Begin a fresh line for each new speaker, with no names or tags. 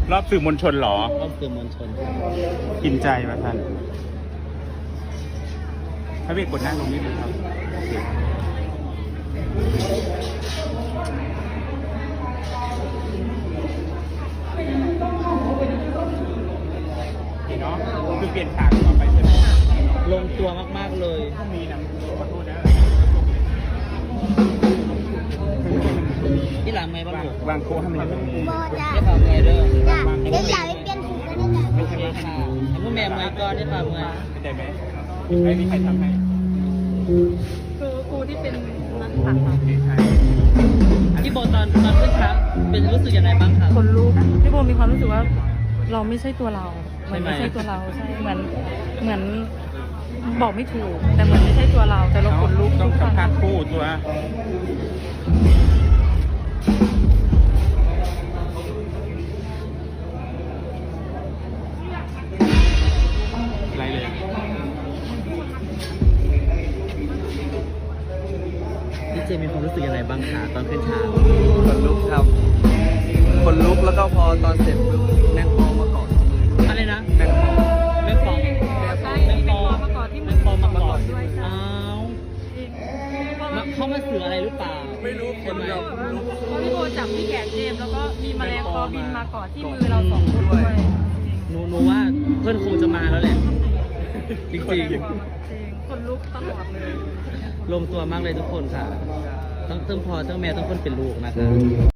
รอบสื่อมวลชนเหรอ
รอบสื่อมวลชน
กินใจมาท่านพระเวกกดหน้าลงนิดนึงครับโอเคเนาะคือเปลี่ยนฉากต่อไปใช่ไหม
ลงตัวมากๆเลย
ต้องมีนะขอโทษนะ
ที่หลังไหมบ้างลูก
วางโค้ให้มันตรงนี้
โบจ้า
ได้ข่าวไงเด้อ
จ้าเดี๋ยวอยากไปเปลี่ยนสีก็ได้จ้า
โอเคค่ะให้พ่อแม่เมย์ก่อนได้ข่าวไง
เข้าใจไหมไม่มีใครทำให้
คือครูที่เป็นนักผักค่ะ
ใช่
พี่โบตอนขึ้นครับเป็นรู้สึกยังไงบ้างครับ
คนลุกพี่โบมีความรู้สึกว่าเราไม่ใช่ตัวเรา
ใช่ไหม
ไม่ใช่ตัวเราใช่เหมือนบอกไม่ถูก แต่เหมือนไม่ใช่ตัวเรา แต่เราขนลุก
ต้อง
ทุกครั้ง
ทำการคู่ตัวอะไรเลย
พี่เจมีความรู้สึกยังไงบ้างคะตอนขึ้นฉาก
ขนลุกครับขนลุกแล้วก็พอตอนเสร็จปุ๊บแมงปองมาเกาะที่มือ
อะไรนะ
แมงปอง
แม่ปอง
ใช่
แม่
มี
ป
เป็น
อง
ตัวมาก่อนที่
แม่ปองมาก่อน
ด้วยใช่
อ้าว
จริงเพราะ
มาเข้ามาสื่ออะไรหรือเปล่า
ไม่รู้ค
ใช่
น
ไหม
แบบ
เพราะพี่โบจับที่แขนเจมส์แล้วก็มีแมลงปอบินมาก่อนที่มือเราสองคนด้วย
หนูว่าเพื่อนคงจะมาแล้วแหละ จริง
จริงคนลุกตลอดเลย
ๆลงตัวมากเลยทุกคนค่ะทั้งพ่อทั้งแม่ทั้งคนเป็นลูกนะคะ